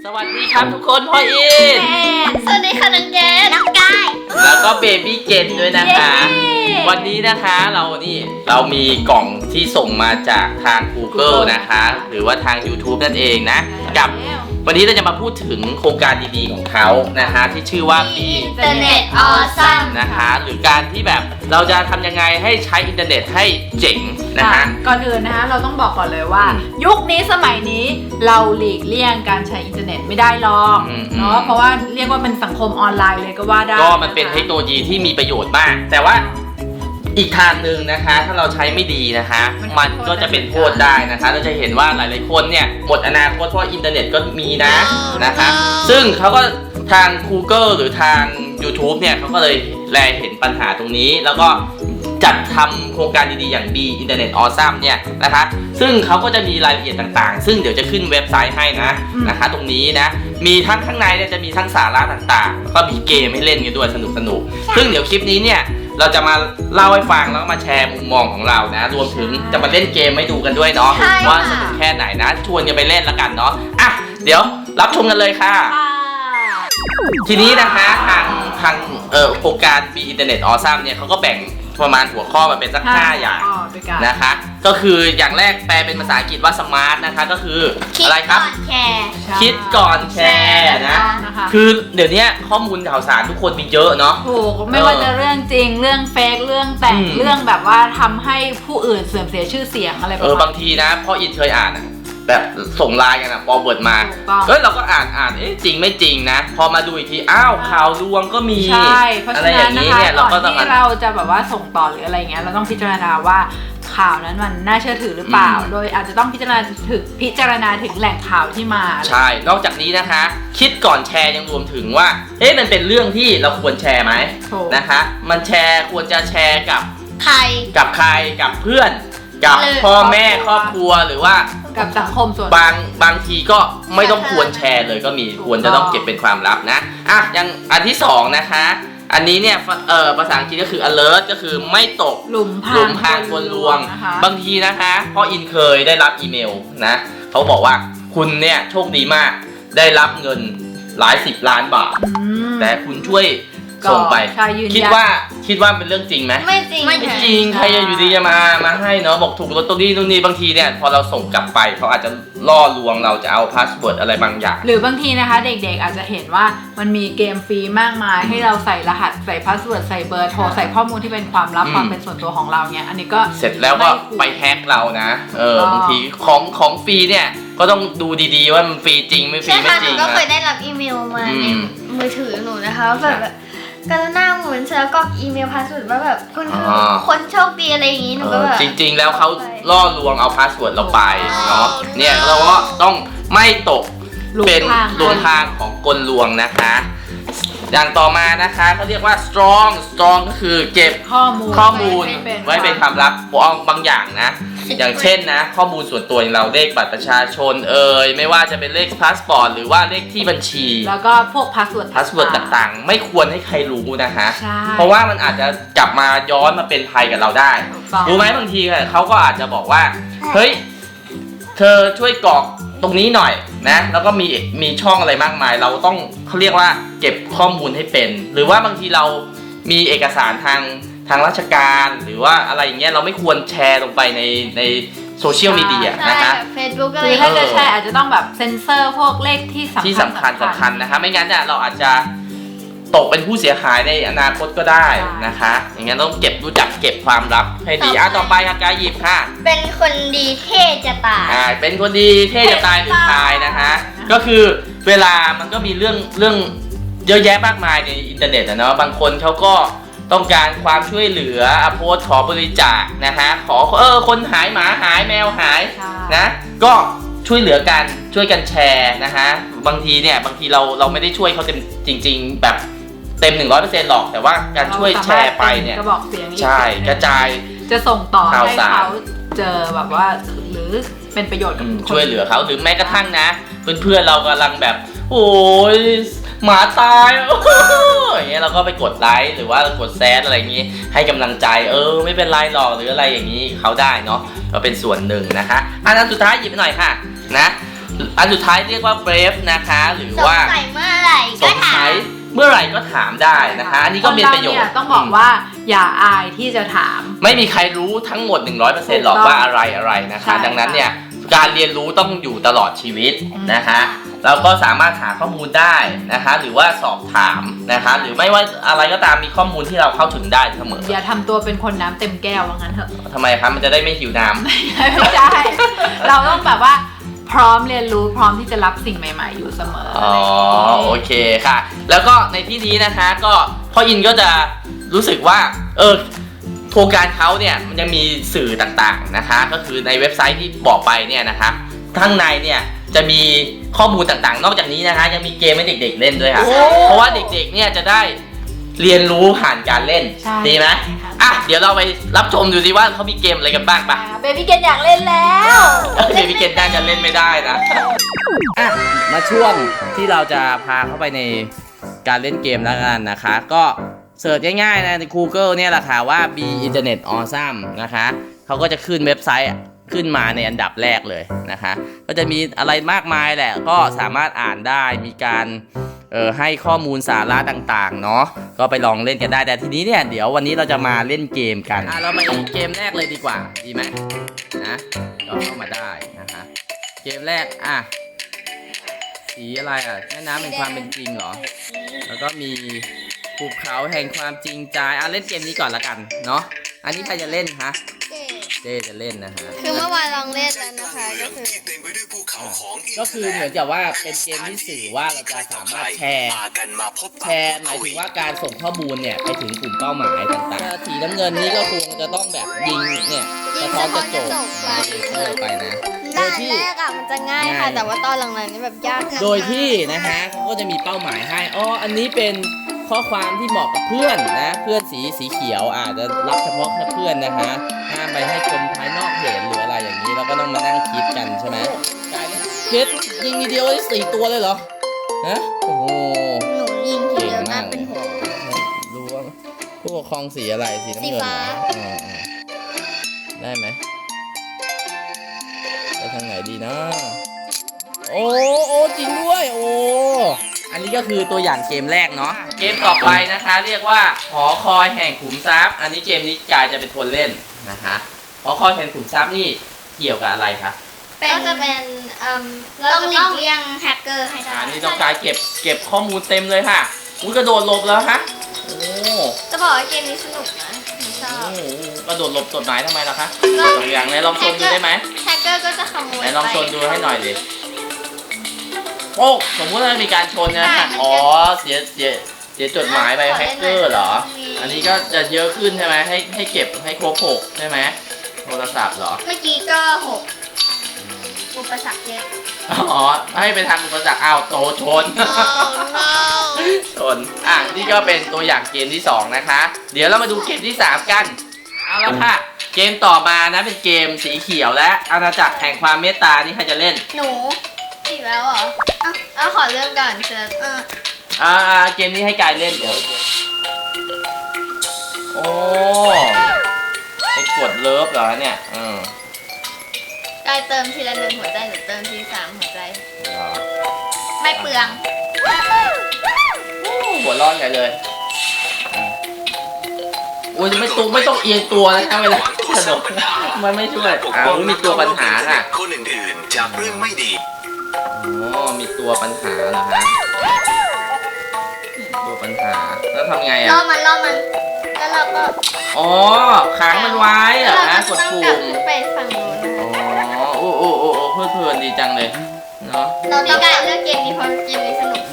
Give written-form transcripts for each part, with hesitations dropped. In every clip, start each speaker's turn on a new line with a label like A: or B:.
A: วัสดีครับทุกคนพ่ออิน
B: สวัสดีค่ะน้องเจนน้องกาย
A: แล้วก็เบบี้เจนด้วยนะคะวันนี้นะคะเรามีกล่องที่ส่งมาจากทาง Google นะคะหรือว่าทาง YouTube นั่นเองนะกับวันนี้เราจะมาพูดถึงโครงการดีๆของเขานะคะที่ชื่อว่า
B: Internet Awesome
A: นะคะหรือการที่แบบเราจะทำยังไงให้ใช้อินเทอร์เน็ตให้เจ๋งนะคะ
C: ก่อนอื่นนะคะเราต้องบอกก่อนเลยว่ายุคนี้สมัยนี้เราหลีกเลี่ยงการใช้อินเทอร์เน็ตไม่ได้หรอกเนาะเพราะว่าเรียกว่าเป็นสังคมออนไลน์เลยก็ว่าได้
A: ก็มันเป็นเทคโนโลยีที่มีประโยชน์มากแต่ว่าอีกทางหนึ่งนะคะถ้าเราใช้ไม่ดีนะคะมันก็จะเป็นโทษได้นะคะเราจะเห็นว่าหลายๆคนเนี่ยหมดอนาคตเพราะอินเทอร์เน็ตก็มีนะคะซึ่งเขาก็ทาง Google หรือทาง YouTube เนี่ยเขาก็เลยแลเห็นปัญหาตรงนี้แล้วก็จัดทำโครงการดีๆอย่าง Be Internet Awesome เนี่ยนะคะซึ่งเขาก็จะมีรายละเอียดต่างๆซึ่งเดี๋ยวจะขึ้นเว็บไซต์ให้นะคะตรงนี้นะมีทั้งข้างในเนี่ยจะมีทั้งสาระต่างๆแล้วก็มีเกมให้เล่นกันด้วยสนุกๆซึ่งเดี๋ยวคลิปนี้เนี่ยเราจะมาเล่าให้ฟังแล้วก็มาแชร์มุมมองของเรานะรวมถึงจะมาเล่นเกมให้ดูกันด้วยเนาะว่าสนุกแค่ไหนนะชวนกันไปเล่นแล้วกันเนาะอ่ะเดี๋ยวรับชมกันเลยค่ะทีนี้นะคะทางโครงการ Be Internet Awesome เนี่ยเขาก็แบ่งประมาณหัวข้อมาเป็นสัก5อย่างนะคะก็คืออย่างแรกแปลเป็นภาษาอังกฤษว่า smart นะคะก็คืออะไรครับคิดก่อนแชร์นะคือเดี๋ยวนี้ข้อมูลข่าวสารทุกคนมีเยอะเนาะ
C: ถูกไม่ว่าจะเรื่องจริงเรื่องเฟกเรื่องแต่งเรื่องแบบว่าทำให้ผู้อื่นเสื่อมเสียชื่อเสียงอะไรแบบ
A: บางทีนะพ่ออินเคยอ่านแบบส่งไลน์กันนะพอเวิร์ดมาเราก็อ่านจริงไม่จริงนะพอมาดูอีกทีอ้าวข่าวลวงก็มี
C: ใช่เพราะฉะนั้นนะคะก่อนที่เราจะแบบว่าส่งต่อหรืออะไรเงี้ยเราต้องพิจารณาว่าข่าวนั้นมันน่าเชื่อถือหรือเปล่าโดยอาจจะต้องพิจารณาถึงแหล่งข่าวที่มา
A: ใช่นอกจากนี้นะคะคิดก่อนแชร์ยังรวมถึงว่ามันเป็นเรื่องที่เราควรแชร์ไหมนะคะมันควรจะแชร์กับ
B: ใคร
A: กับเพื่อนกับพ่อแม่ครอบครัวหรือว่า
C: กับสังคมส่วน
A: บางทีก็ไม่ต้องควรแชร์เลยก็มีควรจะต้องเก็บเป็นความลับนะอย่างอันที่2นะคะอันนี้เนี่ยภาษาอังกฤษก็คือ alert ก็คือไม่ตก
C: หลุมพราง
A: กลลวงบางทีนะคะพ่ออินเคยได้รับอีเมลนะเขาบอกว่าคุณเนี่ยโชคดีมากได้รับเงินหลาย10 ล้านบาทแต่คุณช่วยส่งไปคิดว่าเป็นเรื่องจริงไหม
B: ไม่จริง
A: ใครอยู่ดีจะมาให้เนาะบอกถูกลอตเตอรี่นู่นนี่บางทีเนี่ยพอเราส่งกลับไปเขาอาจจะล่อลวงเราจะเอาพาสเวิร์ดอะไรบางอย่าง
C: หรือบางทีนะคะเด็กๆอาจจะเห็นว่ามันมีเกมฟรีมากมายให้เราใส่รหัสใส่พาสเวิร์ดใส่เบอร์โทรใส่ข้อมูลที่เป็นความลับความเป็นส่วนตัวของเราเนี่ยอันนี้ก็
A: เสร็จแล้วก็ไปแฮกเรานะบางทีของฟรีเนี่ยก็ต้องดูดีๆว่ามันฟรีจริงไม่ฟรีไม่จริง
B: นะก็เคยได้รับอีเมลมาในมือถือหนูนะคะแบบกระหน้าหมุนแล้วก็อีเมลพาสเวิร์ดว่าแบบคุณคือคนโชคดีอะไรอย่างนี้หนูก็แบบ
A: จริงๆแล้วเขาล่อลวงเอาพาสเวิร์ดเราไปเนาะเนี่ยเราก็ต้องไม่ตกเป็นหลุมพรางของกลลวงนะคะอย่างต่อมานะคะเขาเรียกว่า strong ก็คือเก็บข้อมูลไว้เป็นความลับบางอย่างนะอย่างเช่นนะข้อมูลส่วนตัวอย่างเราเลขบัตรประชาชนไม่ว่าจะเป็นเลขพาสปอร์ตหรือว่าเลขที่บัญชี
C: แล้วก็พวกพาสเวิร์ด
A: ต่างๆไม่ควรให้ใครรู้นะคะเพราะว่ามันอาจจะกลับมาย้อนมาเป็นภัยกับเราได้รู้ไหมบางทีเขาก็อาจจะบอกว่าเฮ้ยเธอช่วยกรอกตรงนี้หน่อยนะแล้วก็มีช่องอะไรมากมายเราต้องเขาเรียกว่าเก็บข้อมูลให้เป็นหรือว่าบางทีเรามีเอกสารทางราชการหรือว่าอะไรอย่างเงี้ยเราไม่ควรแชร์ลงไปในโซเชียลมีเดียนะคะ
B: Facebook อะไร
C: ถ้าจะแชร์อาจจะต้องแบบเซ็นเซอร์พวกเลขที่สำ
A: คัญนะคะไม่งั้นเนี่ยเราอาจจะตกเป็นผู้เสียหายในอนาคตก็ได้นะคะอย่างงั้นต้องรู้จักเก็บความลับให้ดีต่อไปค่ะกายหยิบค่ะ
B: เป็นคนดีเท่จะตาย
A: เป็นคนดีเท่จะตายหรือตายนะคะก็คือเวลามันก็มีเรื่องเยอะแยะมากมายในอินเทอร์เน็ตนะเนาะบางคนเขาก็ต้องการความช่วยเหลือโพสต์ขอบริจาคนะคะขอคนหายหมาหายแมวหายนะก็ช่วยเหลือกันช่วยกันแชร์นะคะบางทีเราไม่ได้ช่วยเขาเต็มจริงๆแบบเต็ม 100% หรอกแต่ว่าการช่วยแชร์ไปเนี่ยใช่กระจาย
C: จะส่งต่อให้เขาเจอแบบว่าหรือเป็นประโยชน์กับ
A: ช่วยเหลือเขาหรือแม้กระทั่งนะเพื่อนเรากำลังแบบโอ้ยหมาตายอย่างเงี้ยเราก็ไปกดไลค์หรือว่ากดแซดอะไรอย่างงี้ให้กำลังใจไม่เป็นไรหรอกหรืออะไรอย่างงี้เขาได้เนาะก็เป็นส่วนหนึ่งนะคะอันนั้นสุดท้ายหยิบหน่อยค่ะนะอันสุดท้ายเรียกว่า brave นะคะหรือ
B: สง
A: ว่า
B: สัยเมื่อไหร่
A: ส
B: ก็
A: ง
B: ถา
A: สั
B: ม
A: ยเมื่อไหร่ก็ถามได้นะคะ อันนี้ก็เป็นประโยช
C: ค
A: น์
C: เาต้องบอกว่าอย่าอายที่จะถาม
A: ไม่มีใครรู้ทั้งหมด 100%หรอกว่าอะไรนะคะ
C: ใช่
A: ดังนั้นเนี่ยการเรียนรู้ต้องอยู่ตลอดชีวิต
C: อืม
A: นะคะ เราก็สามารถหาข้อมูลได้นะคะ หรือว่าสอบถามนะคะ หรือไม่ว่าอะไรก็ตามมีข้อมูลที่เราเข้าถึงได้เสมอ
C: อย่าทำตัวเป็นคนน้ำเต็มแก้วว่างั้นเถอะ
A: ทำไมครับมันจะได้ไม่หิวน้ำ
C: ไม่ใช่ เราต้องแบบว่าพร้อมเรียนรู้พร้อมที่จะรับสิ่งใหม่ ๆ อยู่เสมอ
A: อ๋อ
C: อะไรอย่าง
A: โอ
C: งี้
A: เคค่ะ แล้วก็ในที่นี้นะคะก็พ่ออินก็จะรู้สึกว่าโครงการเขาเนี่ยมันยังมีสื่อต่างๆนะคะ ก็คือในเว็บไซต์ที่บอกไปเนี่ยนะคะข้างในเนี่ยจะมีข้อมูลต่างๆ นอกจากนี้นะคะยังมีเกมให้เด็กๆเล่นด้วยค่ะ เพราะว่าเด็กๆเนี่ยจะได้เรียนรู้ผ่านการเล่น
C: ใช่
A: ดีไหมอ่ะเดี๋ยวเราไปรับชมดูสิว่าเขามีเกมอะไรกันบ้างปะ
C: เบบี้เกนอยากเล่นแล้ว
A: เบบี้เกนน่าจะเล่นไม่ได้นะ อ่ะมาช่วงที่เราจะพาเข้าไปในการเล่นเกมแล้วกันนะคะ ก็เสิร์ชง่ายๆนะใน Google เนี่ยแหละค่ะว่า Be Internet Awesome นะคะเขาก็จะขึ้นเว็บไซต์ขึ้นมาในอันดับแรกเลยนะคะ ก็จะมีอะไรมากมายแหละก็สามารถอ่านได้มีการให้ข้อมูลสาระต่างๆเนาะก็ไปลองเล่นกันได้แต่ทีนี้เนี่ยเดี๋ยววันนี้เราจะมาเล่นเกมกันเรามาเกมแรกเลยดีกว่าดีไหมนะก็เข้ามาได้นะคะเกมแรกสีอะไรแม่น้ำแห่งความเป็นจริงเหรอแล้วก็มีภูเขาแห่งความจริงใจเล่นเกมนี้ก่อนละกันเนาะอันนี้ใครจะเล่นคะเจจะเล่นนะฮะ
B: คือเมื่อวานลองเล่นแล้วนะคะ
A: ก็คือเหมือนกับว่าเป็นเกมที่สื่อว่าเราจะสามารถแชร์หมายถึงว่าการส่งข้อมูลเนี่ยไปถึงกลุ่มเป้าหมายต่างๆสีน้ำเงินนี่ก็คงจะต้องแบบยิงเนี่ยสะท้อนกระจกไปนะโด
B: ด่าย น
A: ที่
B: แรกมันจะง่ายค่ะ แต่ว่าตอนหลังๆนี่แบบยากนะ
A: โดยที่นะคะเขาก็จะมีเป้าหมายให้อันนี้เป็นข้อความที่เหมาะกับเพื่อนนะเพื่อนสีเขียวอาจจะรับเฉพาะแค่เพื่อนนะคะห้ามไปให้คนภายนอกเห็นหรืออะไรอย่างนี้เราก็ต้องมานั่งคิดกันใช่ไหมเก็ตยิงทีเดียวได้4 ตัวเลยเหรอฮะโอ้โห
B: หนูยิงที
A: เก่ง
B: เดียว
A: มา
B: น่าก เป็นหัว
A: รู้ว่าผู้ปกครองสีอะไรสีน้ำเงินเหรอ
B: สีฟ้า
A: ได้ไหมไปทางไหนดีนะโอ้จริงด้วยอันนี้ก็คือตัวอย่างเกมแรกเนาะเกมต่อไปนะคะเรียกว่าหอคอยแห่งขุมทรัพย์อันนี้เกมนี้กายจะเป็นคนเล่นนะคะหอคอยแห่งขุมทรัพย์นี่เกี่ยวกับอะไรคะ
B: ก็จะเป็นต้องหลีกเลี่ยงแฮกเกอร์ให้ได้
A: อันนี้ต้องการเก็บข้อมูลเต็มเลยค่ะอุ้ยกระโดดหลบแล้วฮะ
B: จะบอกว่าเกมนี้สนุกนะหนูชอบ
A: กระโดดหลบกฎหมายทำไมล่ะคะ
B: ก็
A: สองอย่างไหนลองชนดูได้ไหม
B: แฮกเกอร์ก็จะขโมย
A: ไหนลองชนดูให้หน่อยดิ สมมุติว่ามีการชนนะฮะเสียจดหมายไปแฮกเกอร์เหรอ อันนี้ก็จะเยอะขึ้นใช่ไหมให้เก็บให้ครบ6ใช่ไหมโทรศัพท์เหรอ
B: เมื่อกี้ก็6อุปสรรคเยอะ
A: ให้ไปทางอุปสรรคโตชน ชนนี่ก็เป็นตัวอย่างเกมที่2นะคะ เดี๋ยวเรามาดูเกมที่3กันเอาละค่ะ เกมต่อมานะเป็นเกมสีเขียวและอาณาจักรแห่งความเมตตานี่ใครจะเล่น
B: หนูอีกแล้วเหรอเอาขอเริ่มก่อนเชิญ
A: เกมนี้ให้กายเล่นเดี๋ยวไปกดเลิฟเหรอเนี่ย
B: กายเติมทีละ1หัวใจหนูเติมที3หัวใจไม่เปลือง
A: หัวร้อนใหญ่เลยไม่ต้องเอียงตัวนะเวลากระโดดมันไม่ช่วยมีตัวปัญหาค่ะ
D: คนอื่นๆจากเรื่องไม่ดี
A: มีตัวปัญหาเหรอฮะตัวปัญหาแล้วทำไง
B: ล่อมันแล้วเราก็
A: ขังมันไว้เหรอฮะกดปุ่ม
B: ไปฝั่งโน้น
A: เพลินดีจังเลยเนาะ
B: เราต้องการเลือกเกมนี้เพราะเกมนี้สนุก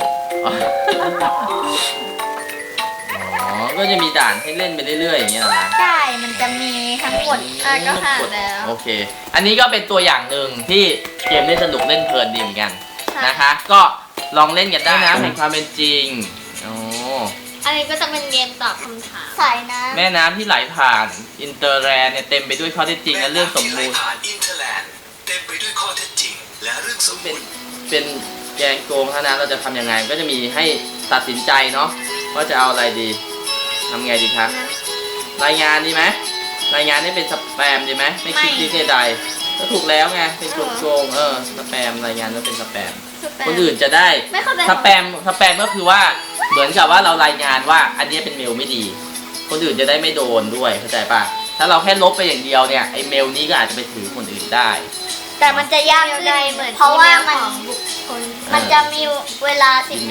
A: ก็จะมีด่านให้เล่นไปเรื่อยๆอย่างเงี้ยเหรอนะ
B: ใช่มันจะมีทั้งหมดก็ผ่านแล้ว
A: โอเคอันนี้ก็เป็นตัวอย่างหนึ่งที่เกมเล่นสนุกเล่นเพลินดีเหมือนกันนะคะก็ลองเล่นกันได้นะแห่งความเป็นจริง
B: อันนี้ก็จะเป็นเกมตอบคำถามสายน้ำ
A: แม่น้ำที่ไหลผ่านอินเตอร์แลนด์เนี่ยเต็มไปด้วยข้อเท็จจริงและเรื่องสมมูล
D: เต็มไปด้วยข้อเท็จจริงและเรื่องสมมูล
A: เป็นแกงโกงเท่านั้นเราจะทำยังไงก็จะมีให้ตัดสินใจเนาะว่าจะเอาอะไรดีทำไงดีครับรายงานดีไหมรายงานนี่เป็นสแปมดีไหมไม่คิดดีใดก็ถูกแล้วไงเป็นโกงสแปมรายงานว่าเป็นสแปมคนอื่นจะได้
B: ไม่เข้าใจ
A: สแปมก็คือว่าเหมือนกับว่าเรารายงานว่าอันนี้เป็นเมลไม่ดี คนอื่นจะได้ไม่โดนด้วยเข้าใจป่ะถ้าเราแค่ลบไปอย่างเดียวเนี่ยไอเมลนี้ก็อาจจะไปถือคนอื่นได้
E: แต่มันจะยากขึ้นเพราะว่ามันจะมีเวลา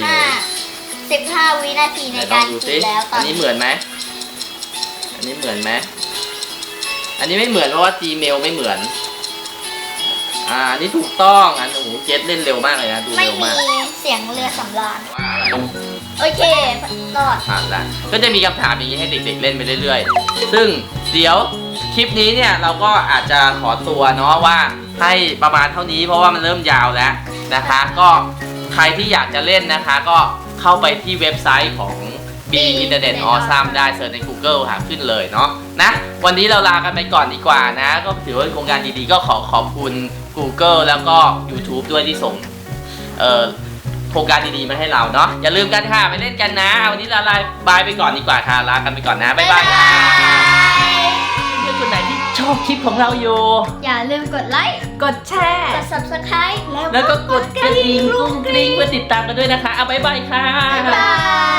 E: 15 วินาทีในการ
A: ดู
E: คิดแล้วต
A: อั
E: อน น
A: นี้เหมือนไหมอันนี้เหมือนไหมอันนี้ไม่เหมือนเพราะว่า Gmail ไม่เหมือนอันนี้ถูกต้องอันโอ้โหเจสเล่นเร็วมากเลยนะดู
E: ไม่
A: เร็ว
E: มี
A: มาก
E: เสียงเรือสำราญ
A: ว่าอะไร
E: โอเครอด
A: ผ่านละก็จะมีคำถามอย่างนี้ให้เด็กๆเล่นไปเรื่อยๆซึ่งเดี๋ยวคลิปนี้เนี่ยเราก็อาจจะขอตัวเนาะว่าให้ประมาณเท่านี้เพราะว่ามันเริ่มยาวแล้วนะคะ ก็ใครที่อยากจะเล่นนะคะ ก็เข้าไปที่เว็บไซต์ของ B Internet Awesome ได้เสิร์ชใน Google หาขึ้นเลยเนาะนะวันนี้เราลากันไปก่อนดีกว่านะ ก็ถือว่าเป็นโครงการดีๆก็ขอบคุณ Google แล้วก็ YouTube ด้วยที่ส่งโครงการดีๆมาให้เราเนาะอย่าลืมกันค่ะไปเล่นกันนะวันนี้เราลาบายไปก่อนดีกว่าค่ะลากันไปก่อนนะบ๊ายบายค่ะเพื่อนคนไหนที่ชอบคลิปของเราอยู่
B: อย่าลืมกดไลค์
C: กดแชร์
E: กด subscribe
A: แล้วก็กดกระดิ่งกรุ้งกริ้งเพื่อติดตามกันด้วยนะคะเอาบ๊ายบายค่ะ
B: บ๊ายบาย